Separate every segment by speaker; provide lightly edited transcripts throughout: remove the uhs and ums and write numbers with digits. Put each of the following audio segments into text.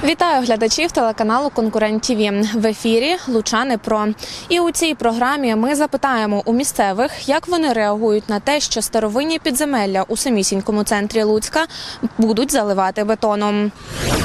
Speaker 1: Вітаю глядачів телеканалу «Конкурент ТІВІ». В ефірі «Лучани Про». І у цій програмі ми запитаємо у місцевих, як вони реагують на те, що старовинні підземелля у самісінькому центрі Луцька будуть заливати бетоном.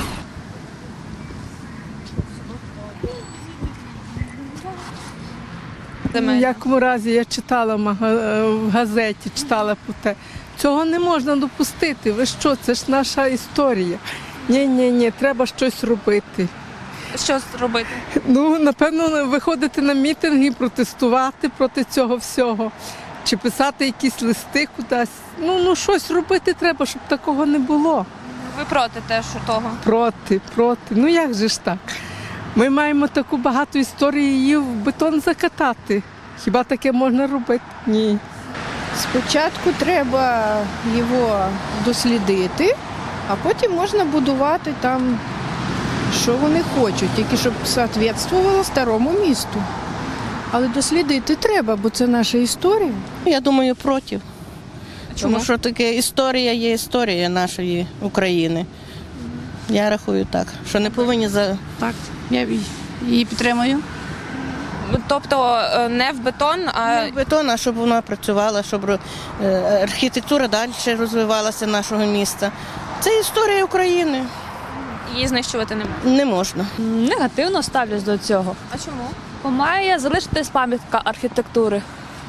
Speaker 2: В якому разі я читала в газеті, читала про те. Цього не можна допустити. Ви що, це ж наша історія. Ні, треба щось робити.
Speaker 1: Що робити?
Speaker 2: Напевно, виходити на мітинги, протестувати проти цього всього. Чи писати якісь листи кудись. Щось робити треба, щоб такого не було.
Speaker 1: Ви проти теж того?
Speaker 2: Проти. Як же ж так? Ми маємо таку багату історію, її в бетон закатати. Хіба таке можна робити? Ні.
Speaker 3: Спочатку треба його дослідити, а потім можна будувати там, що вони хочуть, тільки щоб відповідало старому місту. Але дослідити треба, бо це наша історія.
Speaker 4: Я думаю, проти.
Speaker 1: Чому?
Speaker 4: Тому що таке історія є історія нашої України. Я рахую так, що не повинні
Speaker 5: Так, я її підтримую.
Speaker 1: Тобто не в бетон, а
Speaker 4: бетон, а щоб вона працювала, щоб архітектура далі розвивалася нашого міста. Це історія України.
Speaker 1: її знищувати не можна.
Speaker 4: Не можна.
Speaker 5: Негативно ставлюсь до цього.
Speaker 1: А чому?
Speaker 5: Бо має залишитись пам'ятка архітектури.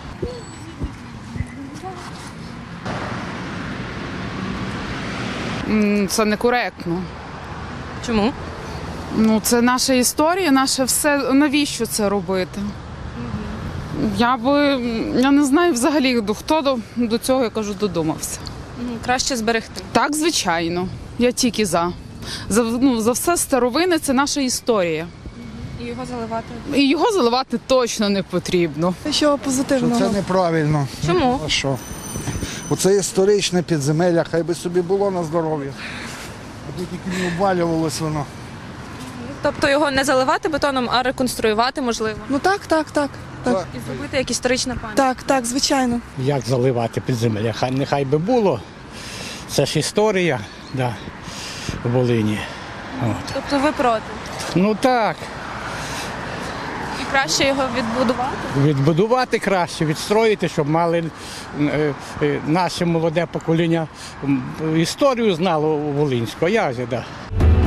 Speaker 6: Це некоректно.
Speaker 1: Чому?
Speaker 6: Це наша історія, наше все. Навіщо це робити? Я не знаю взагалі, хто до цього, я кажу, додумався.
Speaker 1: Краще зберегти.
Speaker 6: Так, звичайно. Я тільки за. За все старовини – це наша історія.
Speaker 1: І його заливати.
Speaker 6: І його заливати точно не потрібно.
Speaker 7: Що позитивного?
Speaker 8: Це неправильно.
Speaker 1: Чому?
Speaker 8: А що? Оце історичне підземелля, хай би собі було на здоров'я. Аби тільки не обвалювалось воно.
Speaker 1: Тобто його не заливати бетоном, а реконструювати можливо.
Speaker 7: Так.
Speaker 1: І зробити як історична пам'ять.
Speaker 7: Так, звичайно.
Speaker 9: Як заливати підземелля? Нехай би було. Це ж історія, да, в Волині.
Speaker 1: Тобто ви проти?
Speaker 9: Так,
Speaker 1: І краще його відбудувати?
Speaker 9: відбудувати краще, відстроїти, щоб мали наше молоде покоління історію знало волинську. Як же, да.